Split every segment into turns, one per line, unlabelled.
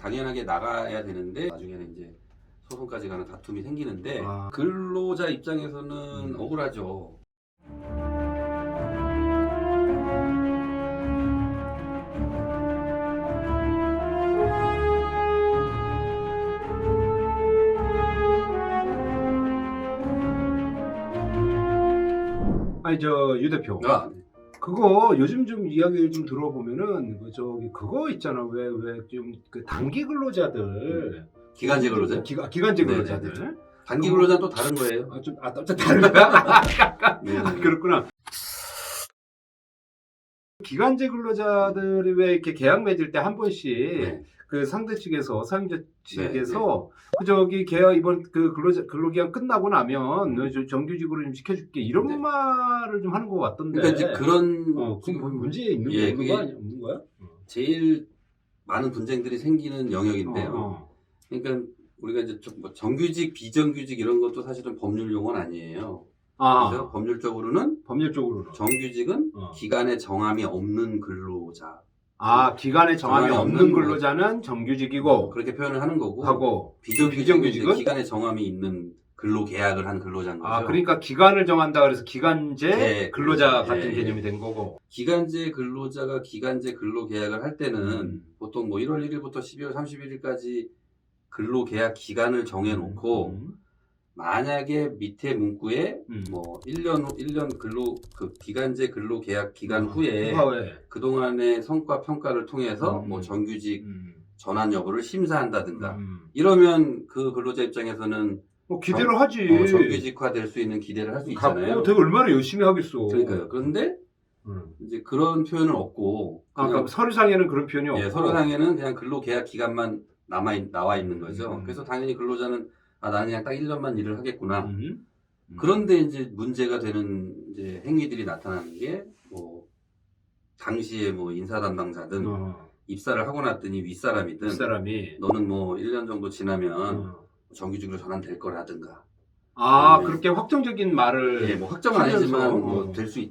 당연하게 나가야 되는데 나중에는 이제 소송까지 가는 다툼이 생기는데 근로자 입장에서는 억울하죠.
아니 저 유 대표,
아,
그거 요즘 좀 이야기를 좀 들어보면은 그거 있잖아. 왜 좀 그 단기 근로자들,
기간제 근로자?
기간제
네,
근로자들.
네, 네. 단기 근로자는 또 다른 거예요.
좀 다른 거야?
네.
그렇구나. 기간제 근로자들이 왜 이렇게 계약 맺을 때 한 번씩
네.
그 상대 측에서 사용자 측에서 계약 이번 그 근로기간 끝나고 나면 정규직으로 좀 시켜줄게 이런 말을 좀 하는 것 같던데.
그러니까 이제 그런
그건 문제 있는
예,
거
그게
없는 거야?
제일 많은 분쟁들이 생기는 영역인데요. 그러니까 우리가 이제 뭐 정규직, 비정규직 이런 것도 사실은 법률 용어는 아니에요. 그래서 법률적으로는 정규직은 기간에 정함이 없는 근로자.
기간에 정함이 없는 근로자는 정규직이고
그렇게 표현을 하는 거고
비정규직은
기간에 정함이 있는 근로 계약을 한 근로자인 거죠.
그러니까 기간을 정한다 그래서 기간제
네,
근로자
그렇죠.
같은
예,
개념이 된 거고.
기간제 근로자가 기간제 근로 계약을 할 때는 보통 뭐 1월 1일부터 12월 31일까지 근로 계약 기간을 정해 놓고 만약에 밑에 문구에 뭐 1년 근로 그 기간제 근로 계약 기간 후에 그동안의 성과 평가를 통해서 뭐 정규직 전환 여부를 심사한다든가 이러면 그 근로자 입장에서는
기대를 하지.
정규직화 될 수 있는 기대를 할 수 있잖아요.
되게 얼마나 열심히 하겠어.
그러니까요. 그런데 이제 그런 표현은 없고
그럼 서류상에는 그런 표현이 없고.
예, 서류상에는 그냥 근로 계약 기간만 나와 있는 거죠. 그래서 당연히 근로자는 나는 그냥 딱 1년만 일을 하겠구나. 그런데 이제 문제가 되는 이제 행위들이 나타나는 게 뭐 당시에 뭐 인사 담당자든 입사를 하고 났더니 윗사람이든 너는 뭐 1년 정도 지나면 정규직으로 전환될 거라든가.
그렇게 확정적인 말을.
예, 뭐 확정은 아니지만 뭐 될 수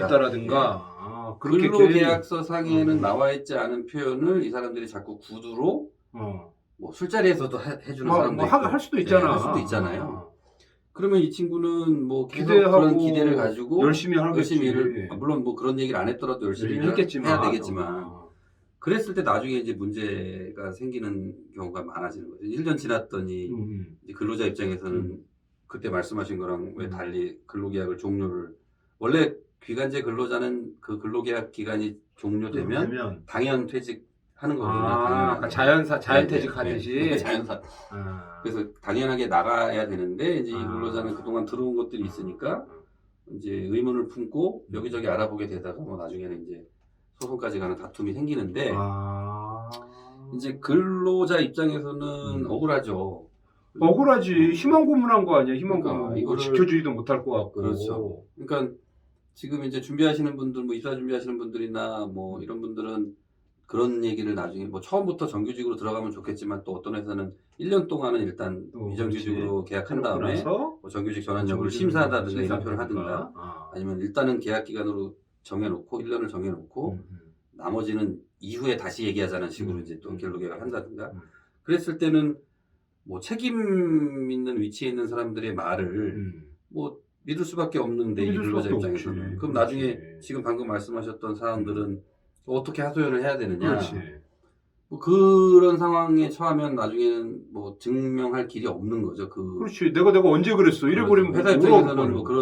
있다라든가. 근로계약서 상에는 나와 있지 않은 표현을 이 사람들이 자꾸 구두로 뭐 술자리에서도 해주는 사람도 있고,
할 수도 있잖아.
할 수도 있잖아요. 그러면 이 친구는 뭐 계속
기대하고
그런 기대를 가지고
열심히
일을 물론 뭐 그런 얘기를 안 했더라도 열심히 해야 되겠지만 그랬을 때 나중에 이제 문제가 생기는 경우가 많아지는 거죠. 1년 지났더니 이제 근로자 입장에서는 그때 말씀하신 거랑 왜 달리 근로계약을 종료를 원래 기간제 근로자는 그 근로계약 기간이 종료되면 당연 퇴직하는 거거든요.
자연퇴직 하듯이.
자연사. 그래서 당연하게 나가야 되는데 이제 이 근로자는 그동안 들어온 것들이 있으니까 이제 의문을 품고 여기저기 알아보게 되다가 뭐 나중에는 이제 소송까지 가는 다툼이 생기는데 이제 근로자 입장에서는 억울하죠.
억울하지. 희망 고문한 거 아니야. 희망
그러니까
고문.
이거를
지켜주지도 못할 것 같고.
그렇죠. 그러니까 지금 이제 준비하시는 분들, 뭐 입사 준비하시는 분들이나 뭐 이런 분들은 그런 얘기를 나중에 뭐 처음부터 정규직으로 들어가면 좋겠지만 또 어떤 회사는 1년 동안은 일단 비정규직으로 계약한 다음에 뭐 정규직 전환 여부를 심사하다든가 이런 표현을 하든가 아니면 일단은 계약 기간으로 정해놓고 1년을 정해놓고 나머지는 이후에 다시 얘기하자는 식으로 이제 또 근로 계약을 한다든가 그랬을 때는 뭐 책임 있는 위치에 있는 사람들의 말을 뭐 믿을 수밖에 없는데 이 근로자 입장에서는 그럼 나중에 지금 방금 말씀하셨던 사람들은 어떻게 하소연을 해야 되느냐 뭐 그런 상황에 처하면 나중에는 뭐 증명할 길이 없는 거죠.
그렇지. 내가 언제 그랬어. 이래버리면
회사 입장에서는 뭐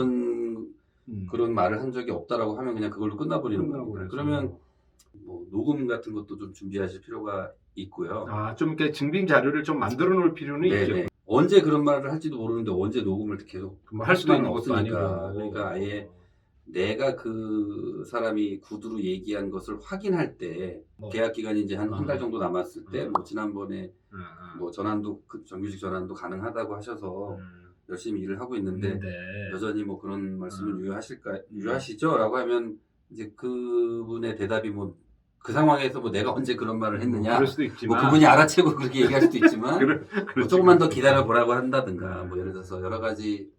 그런 말을 한 적이 없다라고 하면 그냥 그걸로 끝나버리는 거니까. 그러면 뭐 녹음 같은 것도 좀 준비하실 필요가 있고요.
좀 이렇게 증빙 자료를 좀 만들어 놓을 필요는 있죠.
언제 그런 말을 할지도 모르는데 언제 녹음을 계속
할 수도 있는 것도
없으니까.
아니고.
그러니까 아예 내가 그 사람이 구두로 얘기한 것을 확인할 때 계약 기간이 이제 한 달 정도 남았을 때 뭐 지난번에 뭐 전환도 정규직 전환도 가능하다고 하셔서 열심히 일을 하고 있는데 여전히 뭐 그런 말씀을 유효하시죠?라고 하면 이제 그분의 대답이 뭐 그 상황에서 뭐 내가 언제 그런 말을 했느냐
그럴 수도 있지만
뭐 그분이 알아채고 그렇게 얘기할 수도 있지만 뭐 조금만 더 기다려 보라고 한다든가 뭐 예를 들어서 여러 가지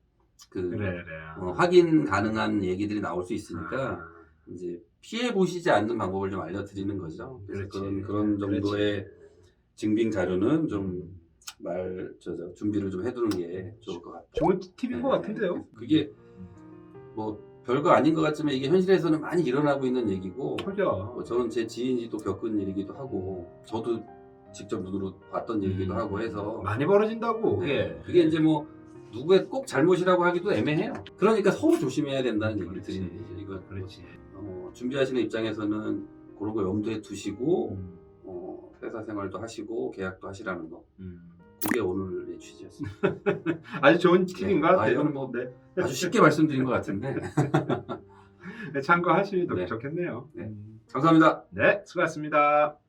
확인 가능한 얘기들이 나올 수 있으니까 이제 피해 보시지 않는 방법을 좀 알려드리는 거죠. 그래서 그런 정도의 증빙 자료는 좀 준비를 좀 해두는 게 좋을 것 같아요.
좋은 팁인 것 같은데요.
그게 뭐 별거 아닌 것 같지만 이게 현실에서는 많이 일어나고 있는 얘기고,
그죠.
뭐 저는 제 지인이 또 겪은 일이기도 하고, 저도 직접 눈으로 봤던 일이기도 하고 해서
많이 벌어진다고.
네. 그게 이제 뭐 누구의 꼭 잘못이라고 하기도 애매해요. 그러니까 서로 조심해야 된다는 얘기를
그렇지.
드리는 거죠. 이거
그렇지.
준비하시는 입장에서는 그런 거 염두에 두시고 회사 생활도 하시고 계약도 하시라는 거. 그게 오늘의 취지였습니다.
아주 좋은 팁인 것 같아요.
이거는 뭐
네.
아주 쉽게 말씀드린 것 같은데.
네, 참고하시면
네.
좋겠네요.
네. 감사합니다.
네, 수고하셨습니다.